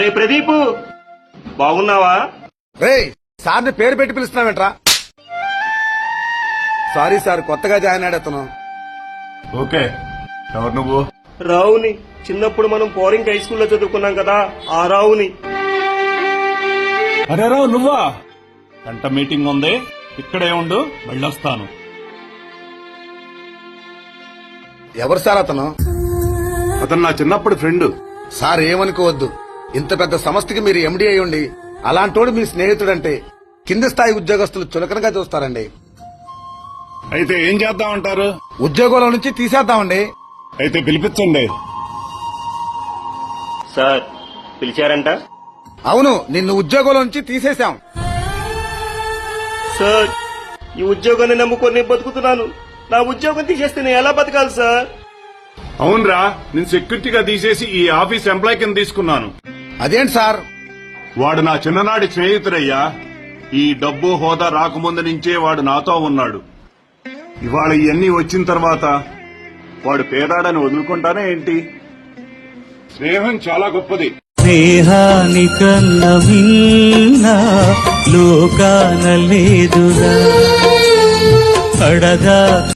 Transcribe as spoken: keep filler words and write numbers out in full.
అరే ప్రదీప్, బాగున్నావా? రే సార్ని పేరు పెట్టి పిలుస్తున్నావేంట్రా? సారీ సార్, కొత్తగా జాయిన్ అయ్యాడు. ఓకే, ఎవరు నువ్వు? రావుని. చిన్నప్పుడు మనం పోరింగ్ హై స్కూల్లో చదువుకున్నాం కదా, ఆ రావుని. అరే రావు నువ్వా? గంట మీటింగ్ ఉంది, ఇక్కడే ఉండు, వెళ్ళొస్తాను. ఎవరు సార్ అతను? అతను నా చిన్నప్పటి ఫ్రెండ్. సార్ ఏమనుకోవద్దు, ఇంత పెద్ద సంస్థకి మీరు ఎండీ అయి ఉండి అలాంటోడు మీ స్నేహితుడంటే కింది స్థాయి ఉద్యోగస్తులు చులకనగా చూస్తారండి. అయితే ఏం చేద్దామంటారు? ఉద్యోగంలో నుంచి తీసేద్దామండి. అయితే పిలిపించండి. సార్ పిలిచారంట? అవును, నిన్ను ఉద్యోగంలో నుంచి తీసేశాం. సార్, ఈ ఉద్యోగాన్ని నమ్ముకొని బతుకుతున్నాను. నా ఉద్యోగం తీసేస్తే నేను ఎలా బతకాలి సార్? అవునరా, నేను సెక్యూరిటీగా తీసేసి ఈ ఆఫీస్ ఎంప్లాయ్ కింద తీసుకున్నాను. అదేంటి సార్? వాడు నా చిన్ననాటి స్నేహితుడయ్యా. ఈ డబ్బు హోదా రాకముందు నుంచే వాడు నాతో ఉన్నాడు. ఇవాళ ఇవన్నీ వచ్చిన తర్వాత వాడు పేదాడని వదులుకుంటానే ఏంటి? స్నేహం చాలా గొప్పది. స్నేహానికన్న మిన్న లోకాన లేదురా అడగా